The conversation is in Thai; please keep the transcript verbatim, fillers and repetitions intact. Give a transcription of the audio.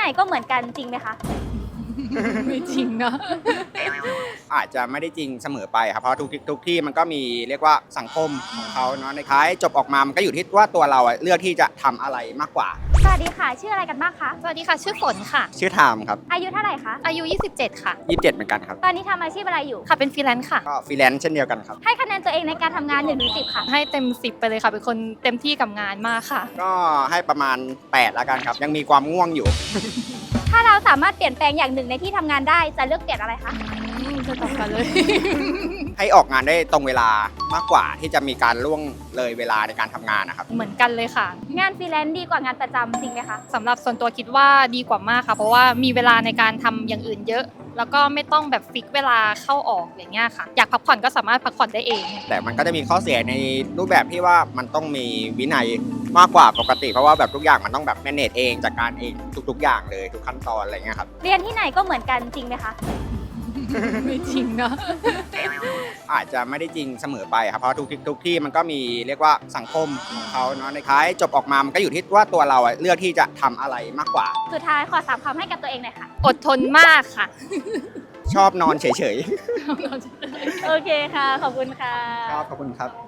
ก็เหมือนกันจริงไหมคะไม่จริงนะอาจจะไม่ได้จริงเสมอไปครับเพราะทุกที่ทุกที่มันก็มีเรียกว่าสังคมของเขาเนาะในท้ายจบออกมามันก็อยู่ที่ว่าตัวเราอะเลือกที่จะทำอะไรมากกว่าสวัสดีค่ะชื่ออะไรกันบ้างคะสวัสดีค่ะ ชื่อฝนค่ะชื่อไทม์ครับอายุเท่าไหร่คะอายุ ยี่สิบเจ็ด ค่ะยี่สิบเจ็ดเหมือนกันครับตอนนี้ทำอาชีพอะไรอยู่ค่ะ เป็นฟรีแลนซ์ค่ะก็ฟรีแลนซ์เช่นเดียวกันครับให้คะแนนตัวเองในการทำงานหนึ่งถึงสิบค่ะให้เต็มสิบไปเลยค่ะ เป็นคนเต็มที่กับงานมากค่ะก็ให้ประมาณแปดแล้วกันครับยังมีความง่วงอยู่ถ้าเราสามารถเปลี่ยนแปลงอย่างหนึ่งในที่ทำงานได้จะเลือกเปลี่ยนอะไรคะอืมจะตอบกันเลยให้ออกงานได้ตรงเวลามากกว่าที่จะมีการล่วงเลยเวลาในการทำงานนะครับเหมือนกันเลยค่ะงานฟรีแลนซ์ดีกว่างานประจำจริงไหมคะสำหรับส่วนตัวคิดว่าดีกว่ามากค่ะ เพราะว่ามีเวลาในการทำอย่างอื่นเยอะ แล้วก็ไม่ต้องแบบฟิกเวลาเข้าออกอย่างเงี้ยค่ะ อยากพักผ่อนก็สามารถพักผ่อนได้เองแต่มันก็จะมีข้อเสียในรูปแบบที่ว่ามันต้องมีวินัยมากกว่าปกติ เพราะว่าแบบทุกอย่างมันต้องแบบ manage เองจัดการเองทุก ๆ อย่างเลยทุกขั้นตอนอะไรเงี้ยครับเรียนที่ไหนก็เหมือนกันจริงไหมคะไม่จริงนะอาจจะไม่ได้จริงเสมอไปครับเพราะทุกที่ทุกที่มันก็มีเรียกว่าสังคมของเขาเนาะในท้ายจบออกมามันก็อยู่ที่ว่าตัวเราอะเลือกที่จะทำอะไรมากกว่าสุดท้ายขอสามคำให้กับตัวเองหน่อยค่ะอดทนมากค่ะชอบนอนเฉยโอเคค่ะ ขอบคุณค่ะๆครับขอบคุณครับ